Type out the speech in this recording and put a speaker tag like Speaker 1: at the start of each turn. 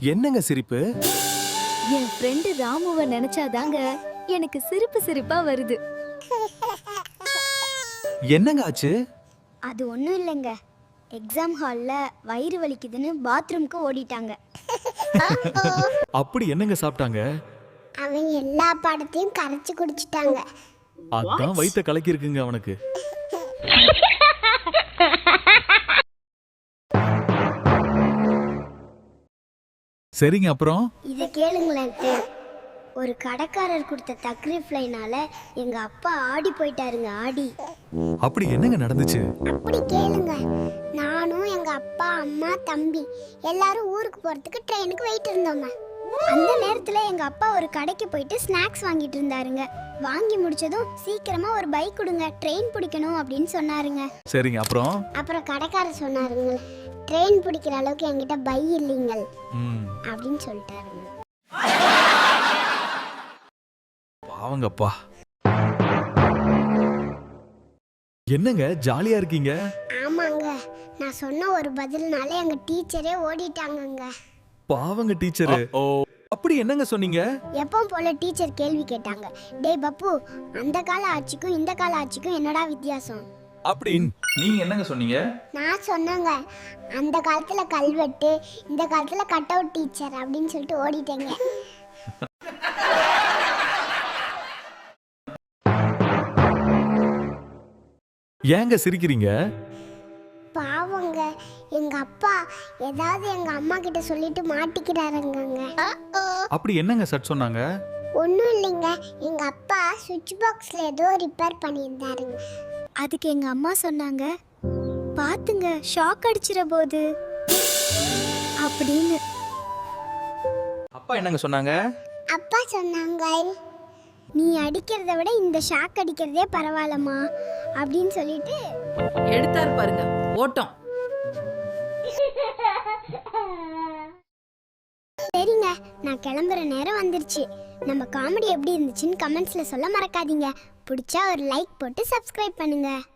Speaker 1: என்னங்க சிரிப்பு?
Speaker 2: என் ஃப்ரெண்டு ராமுவ நினைச்சாதாங்க எனக்கு சிரிப்பு சிரிப்பா வருது.
Speaker 1: என்னங்க ஆச்சு?
Speaker 3: அது ஒன்றும் இல்லைங்க. எக்ஸாம் ஹாலில் வயிறு வலிக்குதுன்னு பாத்ரூம்க்கு ஓடிட்டாங்க.
Speaker 1: அப்படி என்னங்க சாப்பிட்டாங்க?
Speaker 3: அவன் எல்லா பாடத்தையும் கரைச்சி குடிச்சிட்டாங்க.
Speaker 1: அதான் வயித்த கலக்கி இருக்குங்க அவனுக்கு. சரிங்க, அப்புறம்
Speaker 3: இதை கேளுங்களேன். ஒரு கடைக்காரர் கொடுத்த தக்ரீஃப் லைனால எங்க அப்பா ஆடி போயிட்டாருங்க. ஆடி.
Speaker 1: அப்படி என்னங்க நடந்துச்சு?
Speaker 3: அப்படி கேளுங்க. நானும் எங்க அப்பா, அம்மா, தம்பி எல்லாரும் ஊருக்கு போறதுக்கு ட்ரெயினுக்கு வெயிட் இருந்தோங்க. அந்த நேரத்துல எங்க அப்பா ஒரு கடைக்கு போயிட்டு ஸ்நாக்ஸ் வாங்கிட்டு இருந்தாருங்க. வாங்கி முடிச்சதும் சீக்கிரமா ஒரு பைக் கொடுங்க, ட்ரெயின் பிடிக்கணும் அப்படின்னு சொன்னாருங்க.
Speaker 1: சரிங்க, அப்புறம்
Speaker 3: கடைக்காரர் சொன்னாருங்க, ட்ரெயின் பிடிக்கிற அளவுக்கு என்கிட்ட பை இல்லைங்கள் அப்படின்னு சொல்லிட்டாருங்க.
Speaker 1: பாவங்கப்பா. என்னங்க ஜாலியா இருக்கீங்க?
Speaker 3: ஆமாங்க, நான் சொன்ன ஒரு பதில்னால எங்க டீச்சரே ஓடிட்டாங்கங்க.
Speaker 1: பாவங்க டீச்சரு. அப்படி என்னங்க சொன்னீங்க?
Speaker 3: எப்பவும் போல டீச்சர் கேள்வி கேட்டாங்க. டேய் பப்பு, அந்த கால ஆட்சிக்கும் இந்த கால ஆட்சிக்கும் என்னடா வித்தியாசம்
Speaker 1: அப்படின்னு நீங்க என்னங்க சொன்னீங்க?
Speaker 3: நான் சொன்னேங்க, அந்த காலத்துல கல்வெட்டு, இந்த காலத்துல கட் அவுட் டீச்சர் அப்படின்னு சொல்லிட்டு ஓடிட்டேங்க.
Speaker 1: ஏங்க சிரிக்கிறீங்க?
Speaker 3: பாவங்க, எங்க அப்பா ஏதாவது எங்க அம்மா கிட்ட சொல்லிட்டு மாட்டிக்கிறாருங்க.
Speaker 1: அப்படி என்னங்க சட் சொன்னாங்க?
Speaker 3: ஒன்றும் இல்லைங்க, எங்க அப்பா சுவிட்ச் பாக்ஸ்ல ஏதோ ரிப்பேர் பண்ணியிருந்தாருங்க. அதுக்கு எங்க அம்மா சொன்னாங்க, பாத்துங்க ஷாக் அடிச்சிட போது அப்படின்னு.
Speaker 1: அப்பா என்னங்க சொன்னாங்க?
Speaker 3: அப்பா சொன்னாங்க, நீ அடிக்கிறத விட இந்த ஷாக் அடிக்கிறதே பரவாயில்லம்மா அப்படின்னு சொல்லிட்டு
Speaker 4: எடுத்தார் பாருங்க ஓட்டம்.
Speaker 3: சரிங்க, நான் கிளம்புற நேரம் வந்துருச்சு. நம்ம காமெடி எப்படி இருந்துச்சுன்னு கமெண்ட்ஸ்ல சொல்ல மறக்காதீங்க. பிடிச்சா ஒரு லைக் போட்டு சப்ஸ்கிரைப் பண்ணுங்க.